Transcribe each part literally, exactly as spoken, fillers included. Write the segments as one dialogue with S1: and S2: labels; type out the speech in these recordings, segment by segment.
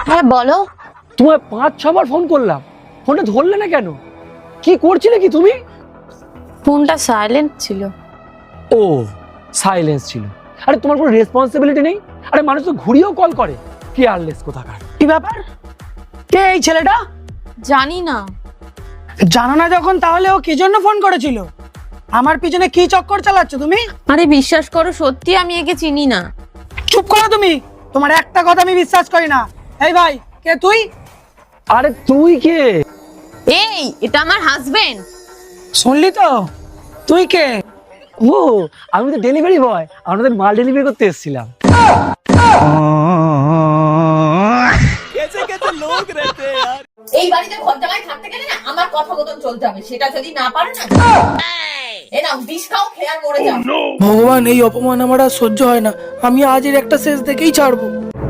S1: হ্যাঁ বলো।
S2: তোমায় পাঁচ ছবার ফোন করলাম, ফোনটা ধরলে না কেন? কি করছিলে কি তুমি?
S1: ফোনটা সাইলেন্ট ছিল।
S2: ও সাইলেন্স ছিল। আরে তোমার কোনো রেসপন্সিবিলিটি নেই? আরে মানুষ তো ঘুরিয়েও কল করে, কেয়ারলেস কোথাকার।
S3: কি ব্যাপার? কে এই ছেলেটা?
S1: জানি না।
S3: জানো না যখন, তাহলে ও কি জন্য ফোন করেছিল? আমার পিছনে কি চক্কর চালাচ্ছ তুমি?
S1: আরে বিশ্বাস করো, সত্যি আমি একে চিনি না।
S3: চুপ করো তুমি, তোমার একটা কথা আমি বিশ্বাস করি না। এই ভাই, কে তুই?
S2: আরে তুই কে?
S1: এই, এটা আমার হাজবেন্ড।
S3: শুনলি তো? তুই কে?
S2: ও আমি তো ডেলিভারি বয়, আমাদের মাল ডেলিভারি করতে এসেছিলাম।
S4: এই বাড়িতে ঘর জামাই থাকতে গেলে না আমার কথা মতন চলতে হবে, সেটা যদি না পারো না এ নাও বিষ খাও, খেয়ে আর মরে যাও।
S3: ভগবান, এই অপমান আমার আর সহ্য হয় না। আমি আজের একটা শেষ দেখেই ছাড়বো।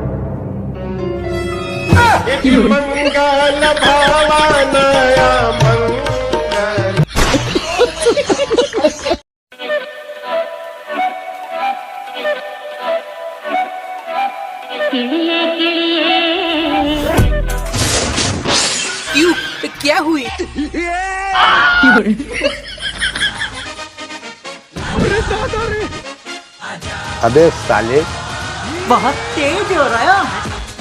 S3: क्या हुई?
S5: अबे साले
S3: बहुत तेज हो रहा है।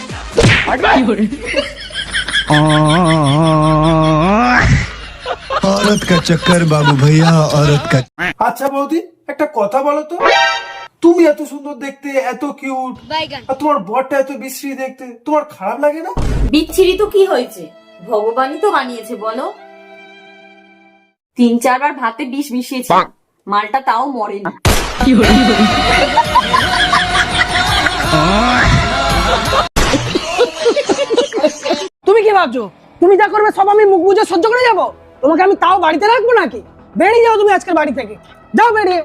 S6: औरत का चक्कर बाबू भैया, औरत का।
S7: আচ্ছা বৌদি, একটা কথা বলো তো, তুমি এত সুন্দর দেখতে, এত কিউট, আর তোমার বরটা এত বিশ্রী দেখতে, তোমার খারাপ লাগে না?
S4: বিচ্ছিরি তো কি হয়েছে, ভগবানই তো বানিয়েছে বলো। তিন চারবার ভাতে বিষ মিশিয়েছে, মালটা তাও মরেনি।
S3: তুমি কি ভাবছো তুমি যা করবে সব আমি মুখ বুজে সহ্য করে যাবো? তোমাকে আমি তাও বাড়িতে রাখবো নাকি? বেরিয়ে যাও তুমি আজকের বাড়ি থেকে, যাও বেরিয়ে।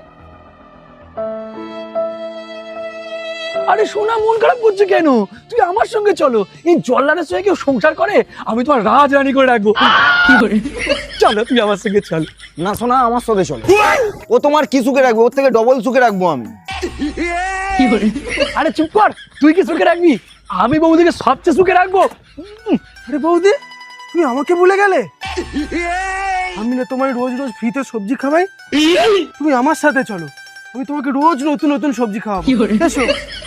S2: আরে সোনা, মন খারাপ করছে কেন? তুই আমার সঙ্গে চলো। এই জল্লাদের সঙ্গে কেউ সংসার করে? আমি তোমার রাজরানী করে রাখবো। কি করে? চলো তুই আমার সঙ্গে চল।
S5: না শোনা, আমার সাথে চলো। ও তোমার কি সুখে রাখবে, ওর থেকে ডবল সুখে রাখবো আমি।
S2: আরে চুপ কর, তুই কি সুখে রাখবি? আমি বৌদিকে সবচেয়ে সুখে রাখবো।
S7: আরে বৌদি, তুমি আমাকে ভুলে গেলে? আমি না তোমায় রোজ রোজ ফ্রিতে সবজি খাওয়াই, তুমি আমার সাথে চলো, আমি তোমাকে রোজ নতুন নতুন সবজি খাওয়াবো। এসো।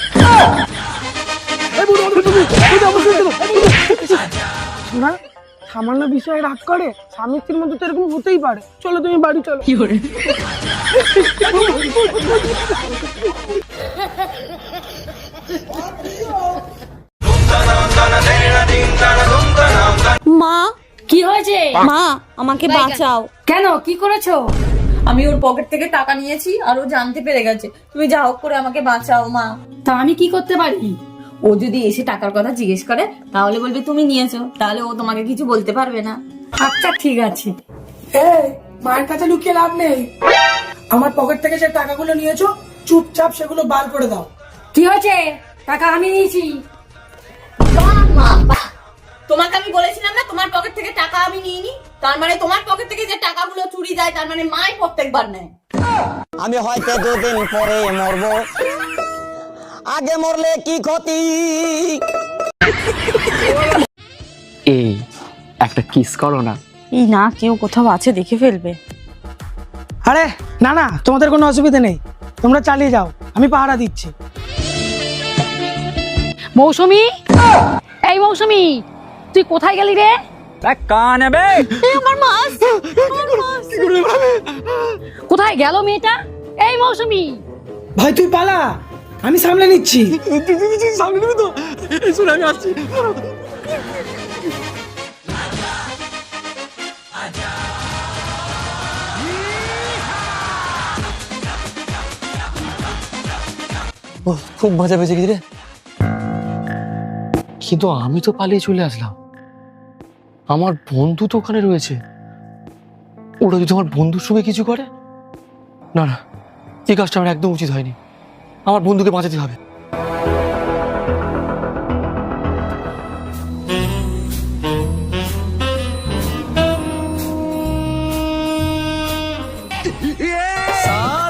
S2: এই বুড়ো, বুড়ো, বুড়ো, বুড়ো, আমার সঙ্গে চলো।
S3: শোনা, সামান্য বিষয়ে রাগ করে স্বামী স্ত্রীর মধ্যে তো এরকম হতেই পারে। চলো তুমি বাড়ি চলো।
S1: মা,
S4: কি হয়েছে?
S1: মা আমাকে বাঁচাও।
S4: কেন, কি করেছো? আমি ওর পকেট থেকে টাকা নিয়েছি আর ও জানতে পেরে গেছে। তুমি যা হোক করে আমাকে বাঁচাও মা। তা আমি কি করতে পারি? ও যদি এসে টাকার কথা জিজ্ঞেস করে তাহলে বলবে তুমি নিয়েছো, তাহলে ও তোমাকে কিছু বলতে পারবে না। আচ্ছা ঠিক আছে।
S3: এই, মায়ের কাছে লুকিয়ে লাভ নেই। আমার পকেট থেকে যে টাকাগুলো নিয়েছো, চুপচাপ সেগুলো বার করে দাও।
S4: কি হয়েছে? টাকা আমি নিয়েছি। বাহ মা বাহ, তোমাকে আমি বলেছিলাম না তোমার পকেট থেকে টাকা আমি নিইনি? তার মানে তোমার পকেট থেকে যে টাকাগুলো চুরি যায় তার মানে মাই প্রত্যেকবার নেয়।
S5: আমি হয়তো দুদিন পরে মরবো, আগে মরলে কি ক্ষতি?
S2: এই একটা কিস করো না।
S1: এই না, কেউ কোথাও আছে, দেখে ফেলবে।
S3: আরে না না, তোমাদের কোনো অসুবিধা নেই, তোমরা চালিয়ে যাও, আমি পাহারা দিচ্ছি।
S8: মৌসুমী, এই মৌসুমী, তুই কোথায় গেলি রে?
S2: কান নেবে
S8: আমার মাছ, আমার মাছ। কোথায় গেল মেয়েটা? এই মৌসুমী,
S3: ভাই তুই পালা, আমি সামলে নিচ্ছি।
S2: সামনে নেবে তো? এই শোনো, আমি আসছি। খুব মজা পেয়েছে কি রে, কিন্তু আমি তো পালিয়ে চলে আসলাম। আমার বন্ধু তো ওখানে রয়েছে, ওরা যদি আমার বন্ধুর সঙ্গে কিছু করে, না না, এই কাজটা আমার একদম উচিত হয়নি। আমার বন্ধুকে বাঁচাতে হবে।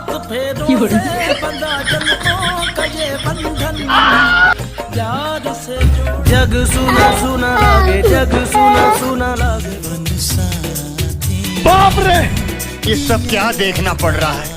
S8: কি করে?
S3: प्यार से
S7: बाप रे
S6: ये सब क्या देखना पड़ रहा है।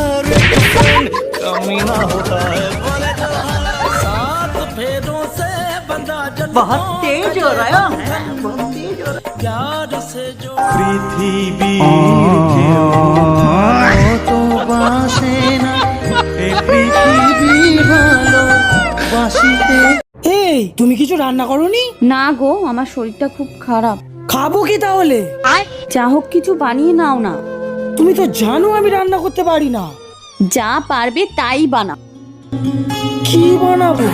S3: এই তুমি কিছু রান্না করোনি?
S1: না গো, আমার শরীরটা খুব খারাপ।
S3: খাবো কি তাহলে?
S1: যা হোক কিছু বানিয়ে নাও না।
S3: তুমি তো জানো আমি রান্না করতে পারি না।
S1: যা পারবে তাই বানাও।
S3: কি বানাবো?